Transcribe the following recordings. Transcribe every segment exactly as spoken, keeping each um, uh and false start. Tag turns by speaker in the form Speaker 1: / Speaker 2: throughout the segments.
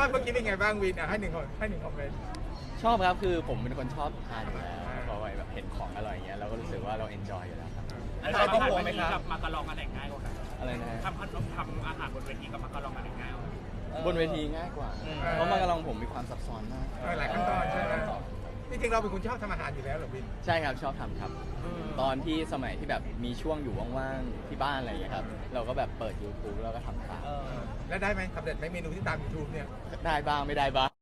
Speaker 1: อดเมื่อกี้เป็นไงบ้างวินอ่ะให้หนึ่งคนให้หนึ่งคอมเมนต์
Speaker 2: ชอบครับคือผมเป็นคนชอบทานอยู่แล้วพอแบบเห็นของอร่อยอย่างเงี้ยเราก็รู้สึกว่าเราเอนจอยอยู่แล้วครับ
Speaker 3: อาหารบนเวทีกับมาการองอันไหนง่ายกว่ากัน
Speaker 2: อะไรนะ
Speaker 3: ทำขนมทำอาหารบนเวทีกับมาการองอันไหนง่ายกว่ากัน
Speaker 2: บนเวทีง่ายกว่าเพราะมากระลองผมมีความซับซ้อนมาก
Speaker 1: หลายขั้นตอนใช่ไหมจริงๆเราเป็นคนชอบทำอาหารอยู่แล้วเหรอวิน
Speaker 2: ใช่ครับชอบทำครับตอนที่สมัยที่แบบมีช่วงอยู่ว่างๆที่บ้านอะไรอย่างเงี้ยครับเราก็แบบเปิด YouTube แล้วก็ทำตาม
Speaker 1: แล้วได้ไหมสำเร็จไหมเมนูที่ตาม YouTube เนี่ย
Speaker 2: ได้บ้างไม่ได้บ้าง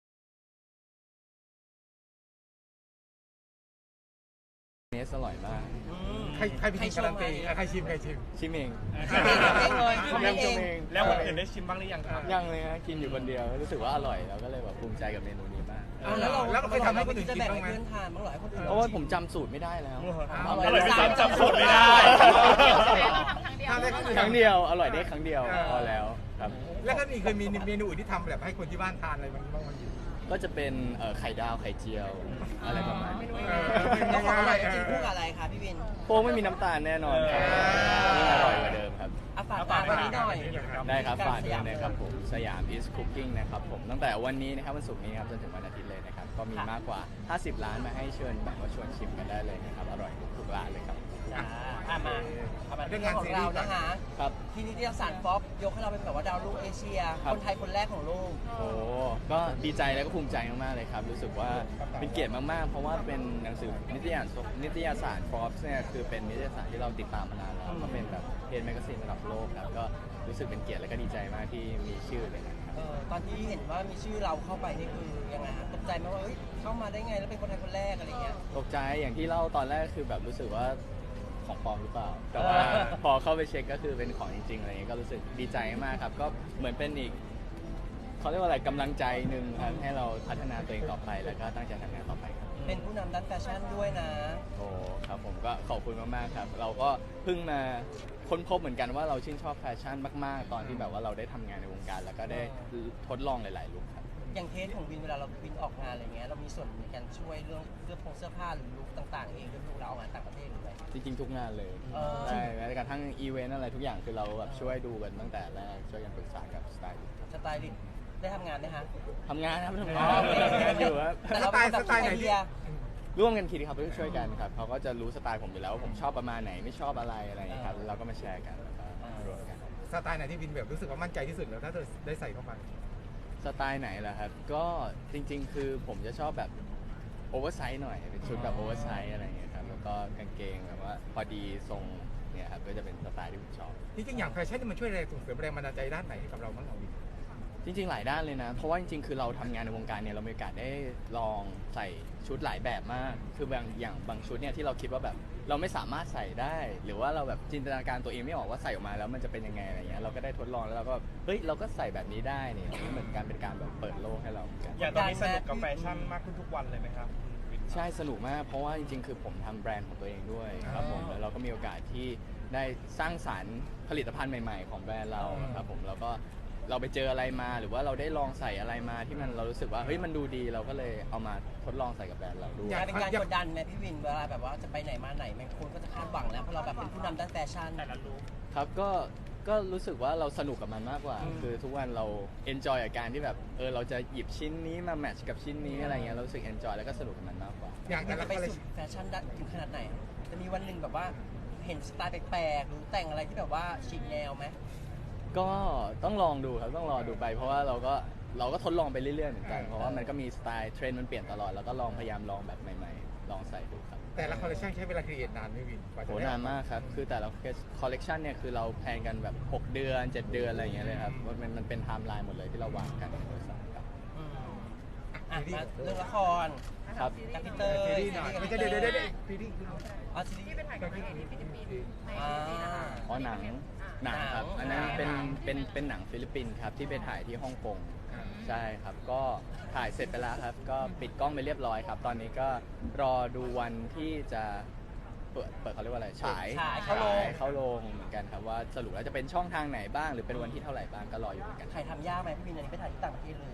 Speaker 2: เนสอร่อยมาก
Speaker 1: ใครใครเป็นการันตีใครชิมใครชิม
Speaker 2: ชิมเอง
Speaker 4: เองเลยทำเอง
Speaker 3: แล้วคนอื่นได้ชิมบ้างหรือยังครับ
Speaker 2: ยังเลยฮะกินอยู่คนเดียวรู้สึกว่าอร่อยเราก็เลยแบบภูมิใจกับเมนูนี้มาก
Speaker 4: แล้วเราแล้วเราเคยทำให้คนอื่นกินบ้างไหมเพื่อนทานบ้างหรอให้คนอื่น
Speaker 2: เพราะว่าผมจำสูตรไม่ได้แล้ว
Speaker 3: อร่อยไม่ซ้ำจำสูตรไม่ได้
Speaker 1: ทำได้
Speaker 2: ครั้งเดียวอร่อยได้ครั้งเดียวพอแล้วครับ
Speaker 1: แล้วก็มีเคยมีเมนูอื่นที่ทำแบบให้คนที่บ้านทานอะไรบ้างบ้าง
Speaker 2: ก็จะเป็นไข่ดาวไข่เจียวอะไรประมาณนี้
Speaker 4: แล้วของอร่อยจริงคู่กับอะไรคะพี่วิน
Speaker 2: โป้ไม่มีน้ำตาลแน่นอนครับนี่อร่อยกว่าเดิมครับ
Speaker 4: อาฝากฝากวันนี้หน่อย
Speaker 2: ได้ครับฝากด้วยนะครับผมสยาม is cooking นะครับผมตั้งแต่วันนี้นะครับวันศุกร์นี้ครับจนถึงวันอาทิตย์เลยนะครับก็มีมากกว่าห้าสิบร้านมาให้เชิญแบบว่าชวนชิมกันได้เลยนะครับอร่อยทุกร้านเลยครับ
Speaker 4: อ่ามาเรื่องงานของเรานะคะ
Speaker 2: ครับ
Speaker 4: ที่นิตยสารฟ็อบยกให้เราเป็นแบบว่าดาวรุ่งเอเชียคนไทยคนแรกของโลก
Speaker 2: โอ้ก็ดีใจและก็ภูมิใจมากๆเลยครับรู้สึกว่าเป็นเกียรติมากๆเพราะว่าเป็นหนังสือนิตยสารนิตยสาร Forbes เนี่ยคือเป็นนิตยสารที่เราติดตามมานานแล้วก็เป็นแบบเพจแมกกาซีนระดับโลกครับก็รู้สึกเป็นเกียรติและก็ดีใจมากที่มีชื่อเลยนะครับ
Speaker 4: ตอนที่เห็นว่ามีชื่อเราเข้าไปนี่คือยังไงฮะตกใจไหมว่าเข้ามาได้ไงแล้วเป็นคนไทยคนแรกอะไรเงี้ย
Speaker 2: ตกใจอย่างที่เล่าตอนแรกคือแบบรู้สึกว่าของปลอมหรือเปล่าแต่ว่าพอเข้าไปเช็คก็คือเป็นของจริงๆอะไรเงี้ยก็รู้สึกดีใจมากครับก็เหมือนเป็นอีกเขาเรียกว่าอะไรกำลังใจหนึ่งครับให้เราพัฒนาตัวเองต่อไปแล้วก็ตั้งใจทำงานต่อไปครับ
Speaker 4: เป็นผู้นำด้านแฟชั่นด้วยนะ
Speaker 2: โอ้ครับผมก็ขอบคุณมากๆครับเราก็เพิ่งมาค้นพบเหมือนกันว่าเราชื่นชอบแฟชั่นมากๆตอนที่แบบว่าเราได้ทำงานในวงการแล้วก็ได้ทดลองหลายๆลุคครับ
Speaker 4: อย่างเทสของวินเวลาเราวินออกงานอะไรเงี้ยเรามีส่วนในการช่วยเรื่องเสื้อผงเสื้อผ้าหรือลุคต่างๆเองด้วยเราออกงานต่างประเทศหรืออะไร
Speaker 2: จริงๆทุกงานเลยใช่แม้กระทั่งอีเวนต์อะไรทุกอย่างคือเราแบบช่วยดูกันตั้งแต่แรกช่วยกันปรึกษากับสไตลิสต์
Speaker 4: สไตลิสต์ได้ทำงานไหมฮะ
Speaker 2: ทำงานครับทำงานทำงานอยู่ครับ
Speaker 4: แต่เราเป็นสไตล์ไหนดี
Speaker 2: ร่วมกันคิดครับช่วยกันครับเขาก็จะรู้สไตล์ผมอยู่แล้วว่าผมชอบประมาณไหนไม่ชอบอะไรอะไรอย่างนี้ครับเราก็มาแชร์กันแล้วก็รวมกัน
Speaker 1: สไตล์ไหนที่วินแบบรู้สึกว่ามั่นใจที่สุดแล้วถ้าเธอได้ใส่เข้าไป
Speaker 2: สไตล์ไหนล่ะครับก็จริงๆคือผมจะชอบแบบโอเวอร์ไซส์หน่อยเป็นชุดแบบโอเวอร์ไซส์อะไรอย่างเงี้ยครับแล้วก็กางเกงแบบว่าพอดีทรงเนี่ยครับก็จะเป็นสไตล์ที่ผมชอบ
Speaker 1: จริงๆอย่างแฟชั่นนี่มันช่วยแรงส่งเสริมแรงบันดาลใจด้านไหนกับเราบ้างของวิน
Speaker 2: จริงๆหลายด้านเลยนะเพราะว่าจริงๆคือเราทำงานในวงการเนี่ยเรามีโอกาสได้ลองใส่ชุดหลายแบบมากคือบางอย่างบางชุดเนี่ยที่เราคิดว่าแบบเราไม่สามารถใส่ได้หรือว่าเราแบบจินตนาการตัวเองไม่ออกว่าใส่ออกมาแล้วมันจะเป็นยังไงอะไรเงี้ยเราก็ได้ทดลองแล้วเราก็เฮ้ยเราก็ใส่แบบนี้ได้เนี่ยเหมือนการเป็นการแบบเปิดโลกให้เราเหมือนกัน
Speaker 3: อย่างตอนนี้สนุกกับแฟชั่นมากขึ้นทุกวันเลยไหมครับ
Speaker 2: ใช่สนุกมากเพราะว่าจริงๆคือผมทำแบรนด์ของตัวเองด้วยครับผมแล้วเราก็มีโอกาสที่ได้สร้างสรรค์ผลิตภัณฑ์ใหม่ๆของแบรนด์เราครับผมแล้วก็เราไปเจออะไรมาหรือว่าเราได้ลองใส่อะไรมาที่มันเรารู้สึกว่าเฮ้ยมันดูดีเราก็เลยเอามาทดลองใส่กับแบรนด์เราด้วย
Speaker 4: เป็นการกดดันไหมพี่วินเวลาแบบว่าจะไปไหนมาไหนบางคนก็จะคาดหวังแล้วเพราะเราแบบเป็นผู้นำด้านแฟชั่นแต่ละลุค
Speaker 2: ครับก็ก็รู้สึกว่าเราสนุกกับมันมากกว่าคือทุกวันเราเอนจอยกับการที่แบบเออเราจะหยิบชิ้นนี้มาแมทช์กับชิ้นนี้อะไรเงี้ยเรารู้สึกเอนจอยแล้วก็สนุกกับมันมากกว่า
Speaker 4: อยากจะไปสุดแฟชั่นถึงขนาดไหนจะมีวันหนึ่งแบบว่าเห็นสไตล์แปลกๆหรือแต่งอะไรที่แบบว่าฉีกแนวไหม
Speaker 2: ก็ต้องลองดูครับต้องรอดูไปเพราะว่าเราก็เราก็ทดลองไปเรื่อยๆเหมือนกันเพราะว่ามันก็มีสไตล์เทรนด์มันเปลี่ยนตลอดแล้วก็ลองพยายามลองแบบใหม่ๆลองใส่ดูครับ
Speaker 1: แต่ละคอลเลคชันใช้เวลาครีเอทนานไหมวิน
Speaker 2: โหนานมากครับคือแต่ละคอลเลคชันเนี่ยคือเราแพลนกันแบบหกเดือนเจ็ดเดือนอะไรอย่างเงี้ยเลยครับมันมันเป็นไทม์ไลน์หมดเลยที่เราวางกันในบริษัทครับ
Speaker 4: อ่ะมาเรื่องละคร
Speaker 2: ครับ
Speaker 4: กับพี่เตย
Speaker 1: ซีรีส์หน่อยไม่ใช่เดี๋ยวเดี๋ยวเดี๋ยวซีรีส์
Speaker 4: อ๋อซีรีส์ที่เป็นถ่ายกับที่ฟิลิปปินส์
Speaker 2: อ๋อหนังหนังครับอันนั้นเป็นเป็นเป็นหนังฟิลิปปินส์ครับที่ไปถ่ายที่ฮ่องกงใช่ครับก็ถ่ายเสร็จไปแล้วครับก็ปิดกล้องไปเรียบร้อยครับตอนนี้ก็รอดูวันที่จะเปิดเปิดเขาเรียกว่าอะไรฉาย
Speaker 4: ฉายเข้าโรง
Speaker 2: เข้าโรงเหมือนกันครับว่าสรุปแล้วจะเป็นช่องทางไหนบ้างหรือเป็นวันที่เท่าไหร่บ้างก็รออยู่เหมือนกัน
Speaker 4: ถ่ายทำยากไหมพี่วินอันนี้ไปถ่ายที่ต่างประเทศเลยใช่ไหม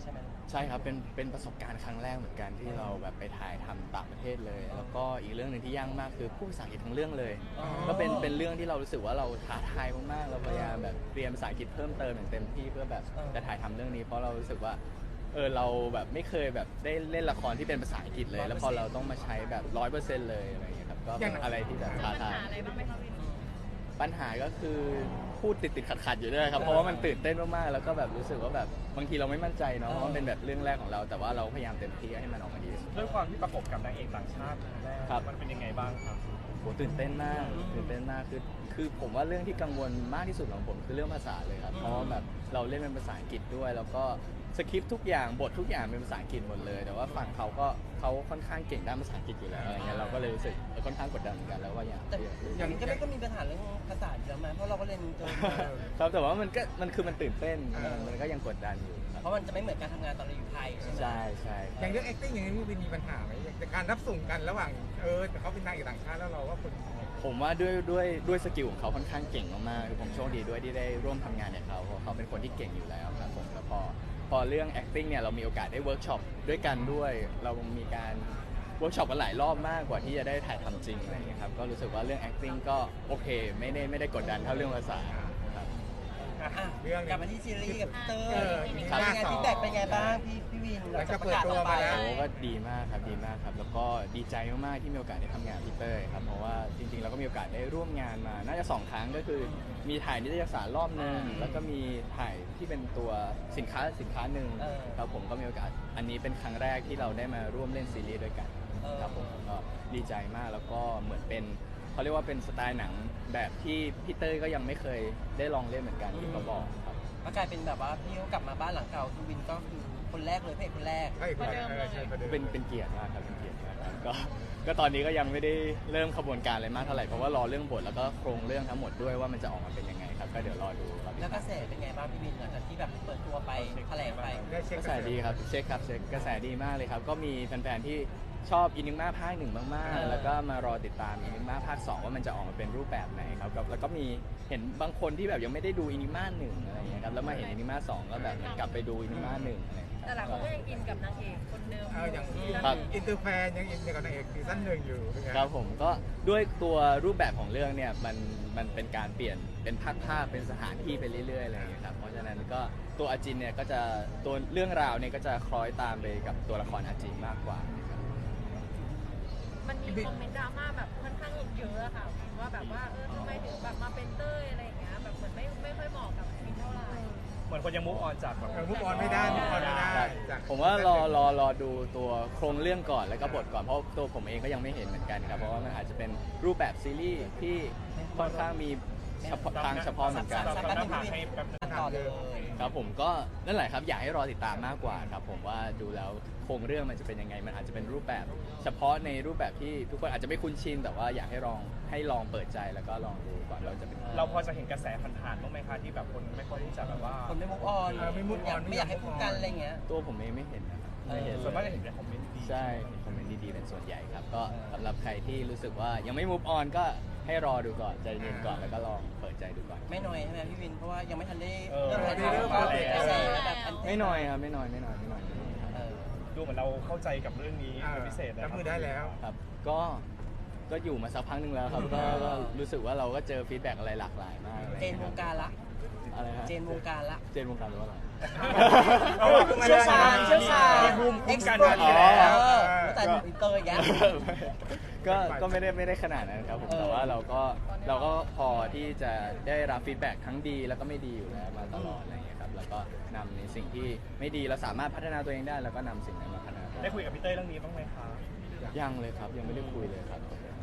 Speaker 2: ใช่ครับเป็นเป็นประสบการณ์ครั้งแรกเหมือนกันที่เราแบบไปถ่ายทำต่างประเทศเลย แล้วก็อีกเรื่องหนึ่งที่ยากมากคือพูดภาษาอังกฤษทั้งเรื่องเลย
Speaker 4: อ๋อ
Speaker 2: ก็เป็นเป็นเรื่องที่เรารู้สึกว่าเราท้าทายมากๆเราพยายามแบบเรียนภาษาอังกฤษเพิ่มเติมอย่างเต็มที่เพื่อแบบจะถ่ายทำเรื่องนี้เพราะเรารู้สึกว่าเออเราแบบไม่เคยแบบได้เล่นละครที่เป็นภาษาอังกฤษเลย แล้วพอเราต้องมาใช้แบบร้อยเปอร์เซ็นต์เลยอะไรอย่างเงี้ยครับก็เป็นอะไรที่แบบท้าทาย
Speaker 5: อะไรบ้างไหมคะวิน
Speaker 2: ปัญหาก็คือพูดติดติดขัดขัดๆอยู่ด้วยครับเพราะว่ามันตื่นเต้นมากๆแล้วก็แบบรู้สึกว่าแบบบางทีเราไม่มั่นใจเนาะเพราะมันเป็นแบบเรื่องแรกของเราแต่ว่าเราพยายามเต็มที่ให้มันออกมาดีที่สุด
Speaker 3: ด้วยความที่ประกบกับนางเอกต่างชาติครั้งแรก
Speaker 2: ครับ
Speaker 3: มันเป็นยังไงบ้างครับ
Speaker 2: โหตื่นเต้นมากตื่นเต้นมากคือคือผมว่าเรื่องที่กังวลมากที่สุดของผมคือเรื่องภาษาเลยครับเพราะว่าแบบเราเล่นเป็นภาษาอังกฤษด้วย แล้วก็สคริปต์ทุกอย่างบททุกอย่างเป็นภาษาอังกฤษหมดเลย แต่ว่าฝั่งเขาก็เขาค่อนข้างเก่งด้านภาษาอังกฤษอยู่แล้วอะไรเงี้ยเราก็เลยรู้สึกค่อนข้างกดดันเหมือนกันแล้วว่าอยาก
Speaker 4: แต่
Speaker 2: อยาก
Speaker 4: อย่างนี้ก็ไม่ก็มีปัญหาเรื่องภาษาเยอะไหมเพราะเราก็เรียนจน
Speaker 2: ครับแต่ว่ามันก็มันคือมันตื่นเต้นมันมันก็ยังกดดันอยู่ครับ
Speaker 4: เพราะมันจะไม่เหมือนการทำงานตอนเราอยู่ไทยใช่ไหม
Speaker 2: ใช่ใช่
Speaker 1: อย่างเรื่อง acting อย่างนี้มีมีปัญหาไหมอย่างการรับส่งกันระหว่างเออแต่เขาเป็นนางเอกต่างชาติแล้วเราว่าคน
Speaker 2: ผมว่าด้วยด้วยด้วยสกิลของเขาค่อนข้างเก่งมากๆคือผมโชคดีด้วยที่ได้ร่วมทำงานกับเขาเพราะเขาเป็นคนที่เก่งอยู่แล้วครับผมแล้วพอพอเรื่อง acting เนี่ยเรามีโอกาสได้เวิร์กช็อปด้วยกันด้วย เรามีการเวิร์กช็อปกันหลายรอบมากกว่าที่จะได้ถ่ายทำจริงอะไรอย่างเงี้ยครับก็รู้สึกว่าเรื่อง acting ก็โอเคไม่ได้ไม่ได้กดดันเท่าเรื่องภาษาครับ
Speaker 4: อ่ะ
Speaker 1: เรื่องนี้
Speaker 4: กลับมาที่ซีรีส์กับเตอร์
Speaker 1: เออ
Speaker 4: เป็น
Speaker 1: มี
Speaker 4: ไง
Speaker 1: ภาคสอง
Speaker 4: ฟีดแบ็กเป็นไงบ้างพี่พี่วินหลังจากประกาศออกไป
Speaker 1: หลังจากเปิดตัวมาแล้ว
Speaker 2: โอ้ก็ดีมากครับดีมากครับแล้วก็ดีใจมากๆที่มีโอกาสได้ทำงานกับพี่เต้ยครับเพราะว่าจริงๆเราก็มีโอกาสได้ร่วมงานมาน่าจะสองครั้งก็คือมีถ่ายนิตยสารรอบหนึ่งแล้วก็มีถ่ายที่เป็นตัวสินค้าสินค้าหนึ่ง
Speaker 4: เออ
Speaker 2: ครับผมก็มีโอกาสอันนี้เป็นครั้งแรกที่เราได้มาร่วมเล่นซีรีส์ด้วยกัน
Speaker 4: เออ
Speaker 2: ครับผมก็ดีใจมากแล้วก็เหมือนเป็นเขาเรียกว่าเป็นสไตล์หนังแบบที่พี่เต้ยก็ยังไม่เคยได้ลองเล่นเหมือนกันที่เขาบอกครับ
Speaker 4: ก็กลายเป็นแบบว่าพี่เขากลับมาบ้านหลังเก่าคือวินก็คือคนแรกเลยพระเอกคนแรก
Speaker 1: ใช่คนเดิมเลยใช่คนเดิม
Speaker 2: เป็นเป็นเกียรติมากครับเป็นเกียรติมากครับก็ก็ตอนนี้ก็ยังไม่ได้เริ่มขบวนการอะไรมากเท่าไหร่เพราะว่ารอเรื่องบทแล้วก็โครงเรื่องทั้งหมดด้วยว่ามันจะออกมาเป็นยังไงครับก็เดี๋ยวรอดูครับ
Speaker 4: แล้วกระแสเป็นไงบ้างพี่วินหลังจากที่แบบเปิดตัวไปแถลงไป
Speaker 1: ได้เช็ค
Speaker 2: กระแสดีครับเช็คครับเช็คกระแสดีมากเลยครับก็มีแฟนๆที่ชอบอินิม่าภาคหนึ่งมาก
Speaker 4: เออ
Speaker 2: ๆ แล้วก็มารอติดตามอินิม่าภาคสองว่ามันจะออกมาเป็นรูปแบบไหนครับแล้วแล้วก็มีเห็นบางคนที่แบบยังไม่ได้ดูอินิม่าหนึ่งอะไรอย่างเงี้ยครับแล้วมาเห็นอินิม่าสองก็แบบกลับไปดูอินิม่าหนึ่งอะไรอย่างเงี้ย
Speaker 5: แต่หลายคนก็ยังอินกับนางเอกคนเดิม
Speaker 1: เอออย่าง
Speaker 2: ครับ
Speaker 1: อินเตอร์แฟนยังอินกับนางเอกซีซั่นหนึ่งอยู่เป็นไง
Speaker 2: ครับผมก็ด้วยตัวรูปแบบของเรื่องเนี่ยมันมันเป็นการเปลี่ยนเป็นภาคภาพเป็นสถานที่ไปเรื่อยๆอะไรอย่างเงี้ยครับเพราะฉะนั้นก็ตัวอาจินเนี่ยก็จะตัวเรื่องราวเนี่ยก็จะคล้อยตามไปกับตัวละครอาจินมากกว่านะครับ
Speaker 5: มันมีคอมเมนต์ดราม่าแบบค่อนข้างเยอะอะค่ะว่าแบบว่าเออทำไมถึงแบบมาเป็นเต้ยอะไรอย่างเงี้ยแบบเหมือนไม่ไม่ค่อยเหมาะกับวินเท่าไหร่
Speaker 3: เหมือนคนยังมุกออนจากแบบ
Speaker 1: เออมุกออนไม่ได้มุกออนไม่ได้
Speaker 2: ครับ
Speaker 1: จาก
Speaker 2: ผมว่ารอรอรอดูตัวโครงเรื่องก่อนแล้วก็บทก่อนเพราะตัวผมเองก็ยังไม่เห็นเหมือนกันครับเพราะว่ามันอาจจะเป็นรูปแบบซีรีส์ที่ค่อนข้างมีเฉพาะทางเฉพาะเหมือนกัน
Speaker 3: เราทำหน้าผากให้แป๊บนึง
Speaker 4: ต่อเลย
Speaker 2: ครับผมก็นั่นแหละครับอยากให้รอติดตามมากกว่าครับผมว่าดูแล้วโครงเรื่องมันจะเป็นยังไงมันอาจจะเป็นรูปแบบ เฉพาะในรูปแบบที่ทุกคนอาจจะไม่คุ้นชินแต่ว่าอยากให้ลองให้ลองเปิดใจแล้วก็ลองดูก่อนเราจะเป็น
Speaker 3: เราพอจะเห็นกระแสผ่านๆบ้างไหมคะที่แบบคนไม่ค่อยที่จะแบบว่า
Speaker 4: คนไม่มุกออน
Speaker 1: เออไม่ move on
Speaker 4: ไม่อยากให้พูดกันอะไรเงี้ย
Speaker 2: ตัวผมเองไม่เห็นนะครับไม่เห็น
Speaker 3: ส่วนมากจะ
Speaker 2: เลย
Speaker 3: เห็นในคอมเมนต์ดี
Speaker 2: ใช่เห็นคอมเมนต์ดีๆเป็นส่วนใหญ่ครับก็สำหรับใครที่รู้สึกว่ายังไม่ move on ก็ให้รอดูก่อนใจเย็นก่อนแล้วก็ลองเปิดใจดูก่อน
Speaker 4: ไม่น้อยใช่ไหมพี่วินเพราะว่ายังไม่ทันได้
Speaker 3: เออ
Speaker 4: เริ่มถ่าย
Speaker 1: เริ่ม
Speaker 4: ทำ
Speaker 1: มาแล้ว
Speaker 4: กระแสแบบอัน
Speaker 2: ไม่น้อยครับไม่น้อยไม่น้อยไม่น้อยไม่น้อยครับ
Speaker 4: เออ
Speaker 3: ดูเหมือนเราเข้าใจกับเรื่องนี้เป็นพิเศษนะ
Speaker 1: รับมือได้แล้ว
Speaker 2: ครับก็ก็อยู่มาสักพักหนึ่งแล้วครับก็ก็รู้สึกว่าเราก็เจอฟีดแบ็กอะไรหลากหลายมาก
Speaker 4: เจนวงการละ
Speaker 2: อะไรฮะ
Speaker 4: เจนวงการละ
Speaker 2: เจนวงการหรือว่าอะไร
Speaker 4: เชี่ยวชาญเชี่ยวชาญ
Speaker 3: มีภูมิคุ้มกัน
Speaker 4: เอ็
Speaker 3: มาก
Speaker 4: ซ์
Speaker 3: อยู่
Speaker 4: เพิร์
Speaker 3: แล้ว
Speaker 4: เออแต่อินเตอร์อย่างเงี้ย
Speaker 2: ก็ก็ไม่ได้ไม่ได้ขนาดนั้นครับผม
Speaker 4: เออ
Speaker 2: แต่ว่าเราก็เราก็พอที่จะได้รับฟีดแบ็กทั้งดีแล้วก็ไม่ดีอยู่แล้วมาตลอดอะไรอย่างเงี้ยครับแล้วก็นำในสิ่งที่ไม่ดีเราสามารถพัฒนาตัวเองได้แล้วก็นำสิ่งนั้นมาพัฒนาตัวเอง
Speaker 3: ได้คุยกับพี่เต้ยเรื่องนี้บ้างไหมคะ
Speaker 2: ยังเลยครับยังไม่ได้คุยเลยครับ